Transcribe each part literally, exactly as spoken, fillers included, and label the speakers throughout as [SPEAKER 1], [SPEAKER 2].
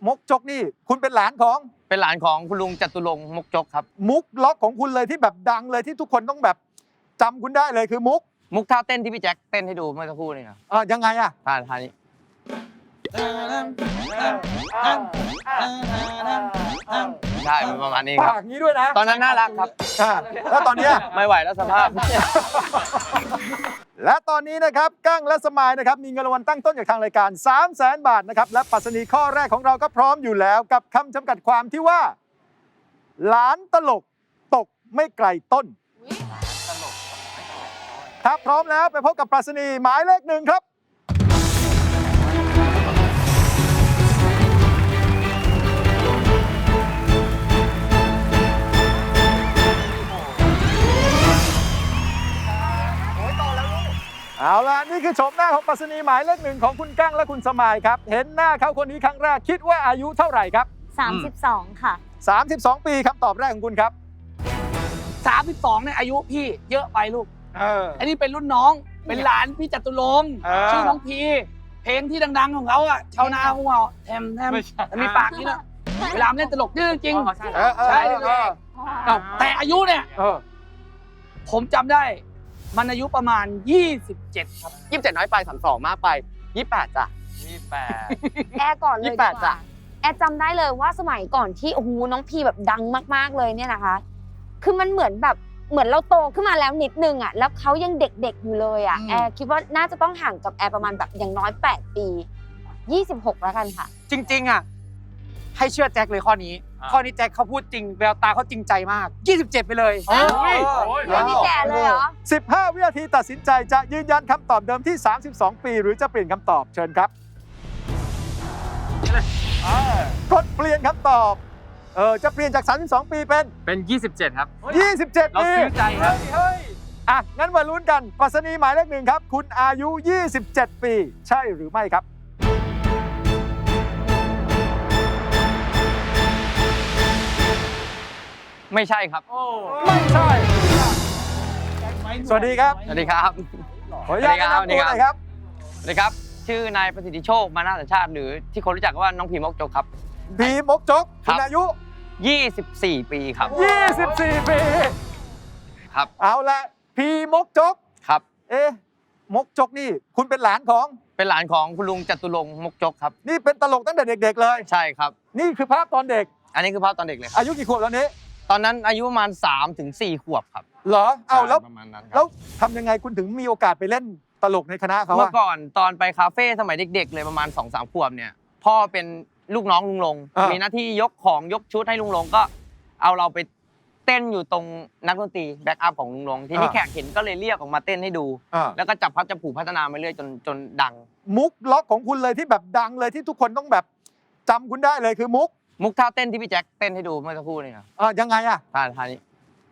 [SPEAKER 1] มกจกนี่คุณเป็นหลานของ
[SPEAKER 2] เป็นหลานของคุณลุงจตุรงค์มกจกครับ
[SPEAKER 1] มุกล็อกของคุณเลยที่แบบดังเลยที่ทุกคนต้องแบบจำคุณได้เลยคือมุก
[SPEAKER 2] มุกท่าเต้นที่พี่แจ็คเต้นให้ดูเมื่อสักครู่นี่ครับ
[SPEAKER 1] อ่ายังไงอ่ะ
[SPEAKER 2] ท่าท่านี้ใช่ประมาณนี้ครั
[SPEAKER 1] ปากนี้ด้วยนะ
[SPEAKER 2] ตอนนั้นน่ารักครับ
[SPEAKER 1] แล้วตอนนี้
[SPEAKER 2] ไม่ไหวแล้วสภาพ
[SPEAKER 1] และตอนนี้นะครับกั้งและสมายนะครับมีเงินรางวัลตั้งต้นจากทางรายการ สามแสน บาทนะครับและปรัชนีข้อแรกของเราก็พร้อมอยู่แล้วกับคำจำกัดความที่ว่าหลานตลกตกไม่ไกลต้นถ้าพร้อมแล้วไปพบกับปรัชนีหมายเลขหนึ่งครับเอาล่ะนี่คือชมหน้าของปรัชนีหมายเลขหนึ่งของคุณกั้งและคุณสมายครับเห็นหน้าเขาคนนี้ครั้งแรกคิดว่าอายุเท่าไหร่ครับ
[SPEAKER 3] สามสิบสองค่ะ
[SPEAKER 1] สามสิบสองปีคำตอบแรกของคุณครับ
[SPEAKER 4] สามสิบสองเนี่ยอายุพี่เยอะไปลูก
[SPEAKER 1] เออ
[SPEAKER 4] อันนี้เป็นรุ่นน้องเป็นหลานพี่จตุรงค์ชื่อน้องพีเพลงที่ดังๆของเขาอ่ะชาวนาของเราแทมแทมมีปากนี่นะเวลาเล่นตลกนี่จริงใช่แต่อายุเนี่ยผมจำได้มันอายุประมาณยี่สิบเจ็ดครับ
[SPEAKER 2] ยี่สิบเจ็ดน้อยไปสามสองมากไปยี่สิบแปดจ้ะยี่สิบแปด
[SPEAKER 3] แอร์ก่อนเลยดีกว่าแอร์จำได้เลยว่าสมัยก่อนที่โอ้โหน้องพีแบบดังมากๆเลยเนี่ยนะคะคือมันเหมือนแบบเหมือนเราโตขึ้นมาแล้วนิดนึงอ่ะแล้วเขายังเด็กๆอยู่เลยอ่ะแอร์คิดว่าน่าจะต้องห่างกับแอร์ประมาณแบบอย่างน้อยแปดปียี่สิบหกแล้วกันค่ะ
[SPEAKER 4] จริงๆอ่ะให้เชื่อแจ็คเลยข้อนี้ข้อนี้แจ็คเขาพูดจริงแววตาเขาจริงใจมากยี่สิบเจ็ดไปเลย
[SPEAKER 3] โอ้ยไม่ได้แก่เลยเหรอ
[SPEAKER 1] สิบห้าวินาทีตัดสินใจจะยืนยันคำตอบเดิมที่สามสิบสองปีหรือจะเปลี่ยนคำตอบเชิญครับกดเปลี่ยนคำตอบเออจะเปลี่ยนจากสามสิบสองปีเป็น
[SPEAKER 2] เป็นยี่สิบเจ็ดครับ
[SPEAKER 1] ยี่สิบเจ็ดปี
[SPEAKER 2] เราซื้อใจครับ
[SPEAKER 1] อ่ะงั้นมาลุ้นกันปรัชนีหมายเลขหนึ่งครับคุณอายุยี่สิบเจ็ดปีใช่หรือไม่ครับ
[SPEAKER 2] ไม่ใช่ครับ
[SPEAKER 1] ไม่ใช่สวัสดีครับ
[SPEAKER 2] สวัสดีครับ
[SPEAKER 1] ขออนุญาตแนะนำตัวหน่อยครับ
[SPEAKER 2] สวัสดีครับชื่อนายประสิทธิโชคมานาสัญชาติหรือที่คนรู้จักว่าน้องพีมกจกครับ
[SPEAKER 1] พีมกจกคุณอายุ
[SPEAKER 2] ยี่สิบสี่ปีครับ
[SPEAKER 1] ยี่สิบสี่ปี
[SPEAKER 2] ครับ
[SPEAKER 1] เอาละพีมกจก
[SPEAKER 2] ครับ
[SPEAKER 1] เอ๊ะมกจกนี่คุณเป็นหลานของ
[SPEAKER 2] เป็นหลานของคุณลุงจตุรงค์มกจกครับ
[SPEAKER 1] นี่เป็นตลกตั้งแต่เด็กๆเลย
[SPEAKER 2] ใช่ครับ
[SPEAKER 1] นี่คือภาพตอนเด็ก
[SPEAKER 2] อันนี้คือภาพตอนเด็กเลย
[SPEAKER 1] อายุกี่ขวบตอนนี้
[SPEAKER 2] ตอนนั้นอายุประมาณสามถึงสี่ขวบครับ
[SPEAKER 1] เหรอเอาแล้วแล้วทำยังไงคุณถึงมีโอกาสไปเล่นตลกในคณะเขา
[SPEAKER 2] เมื่อก่อนตอนไปคาเฟ่สมัยเด็กๆเลยประมาณ สองสาม ขวบเนี่ยพ่อเป็นลูกน้องลุงลงมีหน้าที่ยกของยกชุดให้ลุงลงก็เอาเราไปเต้นอยู่ตรงนักดนตรีแบ็กอัพของลุงลงที่นี่แขกเห็นก็เลยเรียกออกมาเต้นให้ดูแล้วก็จับพัดจับผูพัฒนามาเรื่อยจนจนดัง
[SPEAKER 1] มุกล็อกของคุณเลยที่แบบดังเลยที่ทุกคนต้องแบบจำคุณได้เลยคือมุก
[SPEAKER 2] มุกท่าเต้นที่พี่แจ็คเต้นให้ดูเมื่อสักครู่นี่ครับ
[SPEAKER 1] อ่ายังไงอ่ะ
[SPEAKER 2] ท่าท่านี้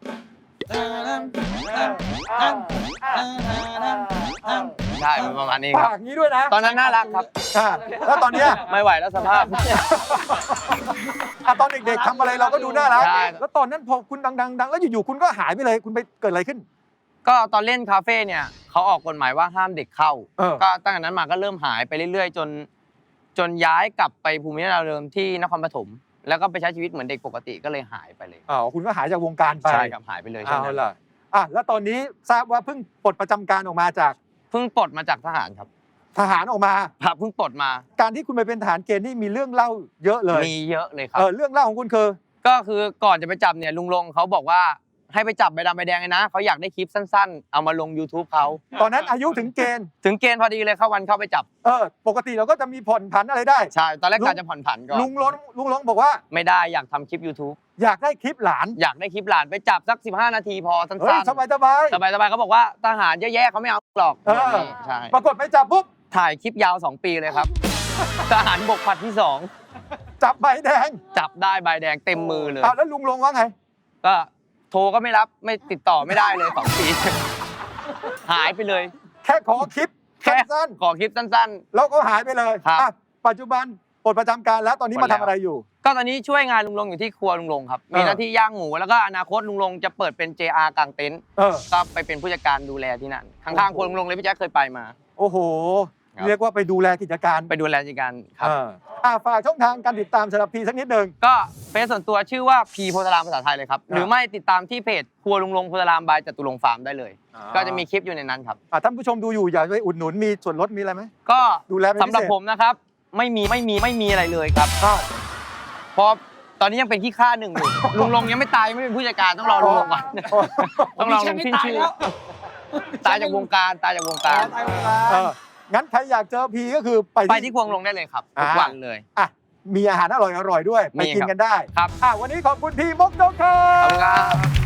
[SPEAKER 2] ใช่ประมาณนี้ครับ
[SPEAKER 1] ปากนี้ด้วยนะ
[SPEAKER 2] ตอนนั้นน่ารักครับ
[SPEAKER 1] แล้วตอนนี้
[SPEAKER 2] ไม่ไหวแล้วสภาพ
[SPEAKER 1] ตอนเด็กๆทำอะไรเราก็ดูน่ารักแล้วตอนนั้นพอคุณดังๆดังแล้วอยู่ๆคุณก็หายไปเลยคุณไปเกิดอะไรขึ้น
[SPEAKER 2] ก็ตอนเล่นคาเฟ่เนี่ยเขาออกกฎหมายว่าห้ามเด็กเข้าก็ตั้งแต่นั้นมาก็เริ่มหายไปเรื่อยๆจนจนย้ายกลับไปภูมิลำเนาเดิมที่นครปฐมแล้วก็ไปใช้ชีวิตเหมือนเด็กปกติก็เลยหายไปเลย
[SPEAKER 1] อ๋อคุณก็หายจากวงการไป
[SPEAKER 2] ใช่ครับหายไปเลยใช่ไหม
[SPEAKER 1] ล่ะอ่ะแล้วตอนนี้ทราบว่าเพิ่งปลดประจำการออกมาจาก
[SPEAKER 2] เพิ่งปลดมาจากทหารครับ
[SPEAKER 1] ทหารออกมา
[SPEAKER 2] ครับเพิ่งปลดมา
[SPEAKER 1] การที่คุณไปเป็นทหารเกณฑ์นี่มีเรื่องเล่าเยอะเลย
[SPEAKER 2] มีเยอะเลยครับ
[SPEAKER 1] เออเรื่องเล่าของคุณคือ
[SPEAKER 2] ก็คือก่อนจะไปจับเนี่ยลุงลงเขาบอกว่าให้ไปจับใบดำใบแดงเลยนะเขาอยากได้คลิปสั้นๆเอามาลง YouTube เขา
[SPEAKER 1] ตอนนั้นอายุถึงเกณฑ์
[SPEAKER 2] ถึงเกณฑ์พอดีเลยเข้าวันเข้าไปจับ
[SPEAKER 1] เออปกติเราก็จะมีผ่อนผันอะไรได้
[SPEAKER 2] ใช่ตอนแรกกะจะผ่อนผันก่อน
[SPEAKER 1] ลุงลงลุงลงบอกว่า
[SPEAKER 2] ไม่ได้อยากทำคลิป YouTube
[SPEAKER 1] อยากได้คลิปหลาน
[SPEAKER 2] อยากได้คลิปหลานไปจับสักสิบห้านาทีพอสั้น
[SPEAKER 1] ๆสบายสบาย
[SPEAKER 2] สบายสบายเขาบอกว่าทหารแย่ๆเขาไม่เอาหรอก
[SPEAKER 1] ใช่ปรากฏไปจับปุ๊บ
[SPEAKER 2] ถ่ายคลิปยาวสองปีเลยครับทหารบกผลัดที่สอง
[SPEAKER 1] จับใบแดง
[SPEAKER 2] จับได้ใบแดงเต็มมือเลย
[SPEAKER 1] อ้าวแล้วลุงลงว่าไง
[SPEAKER 2] ก็โทรก็ไม่รับไม่ติดต่อไม่ได้เลยสองปีหายไปเลย
[SPEAKER 1] แค่ขอคลิปสั้น
[SPEAKER 2] ๆขอคลิปสั้น
[SPEAKER 1] ๆแล้วก็หายไปเลยปัจจุบันปลดประจำการแล้วตอนนี้มาทำอะไรอยู่
[SPEAKER 2] ก็ตอนนี้ช่วยงานลุงลงอยู่ที่ครัวลุงลงครับมีหน้าที่ย่างหมูแล้วก็อนาคตลุงลงจะเปิดเป็น เจ อาร์ กางเต็นท์ก็ไปเป็นผู้จัดการดูแลที่นั่นข้างๆครัวลุงลงเลยพี่แจ๊คเคยไปมา
[SPEAKER 1] โอ้โหเรียกว่าไปดูแลกิจการ
[SPEAKER 2] ไปดูแลกิจการครับ
[SPEAKER 1] เอออ่ะฝากช่องทางการติดตามสำหรับพีสักนิดหนึ่ง
[SPEAKER 2] ก็เฟซส่วนตัวชื่อว่าพีโพธารามภาษาไทยเลยครับ หรือไม่ติดตามที่เพจครัวลุงลงโพธารามบายจตุรงค์ฟาร์มได้เลย
[SPEAKER 1] อ่า
[SPEAKER 2] ก็จะมีคลิปอยู่ในนั้นครับ
[SPEAKER 1] อ่ะท่านผู้ชมดูอยู่อยากไปอุดหนุนมีส่วนลดมีอะไรไหม
[SPEAKER 2] ก็
[SPEAKER 1] ดูแลเป็นพิเศษ
[SPEAKER 2] สำหรับผมนะครับ ไม่มีไม่มีไม่มีอะไรเลยครับ
[SPEAKER 1] อ้าว
[SPEAKER 2] เพราะตอนนี้ยังเป็นขี้ข้าหนึ่งอยู่ ลุงลงยังไม่ตายยังไม่เป็นผู้จัดการต้องรอลุงลงก่อนต้องรอลุงขึ้นชื่อ ตายจากวงการตายจากวงการ
[SPEAKER 1] เอองั้นใครอยากเจอพีก็คือไป
[SPEAKER 2] ไปที่ควงลงได้เลยครับทุก
[SPEAKER 1] อ่า
[SPEAKER 2] วันเลย
[SPEAKER 1] อ่ะมีอาหารอร่อยๆด้วย ไป
[SPEAKER 2] มี
[SPEAKER 1] กิน
[SPEAKER 2] ครับ
[SPEAKER 1] กันได้
[SPEAKER 2] ครับ
[SPEAKER 1] อ่ะวันนี้ขอบคุณพี่มกจกครั
[SPEAKER 2] ขอบคุณครับ บ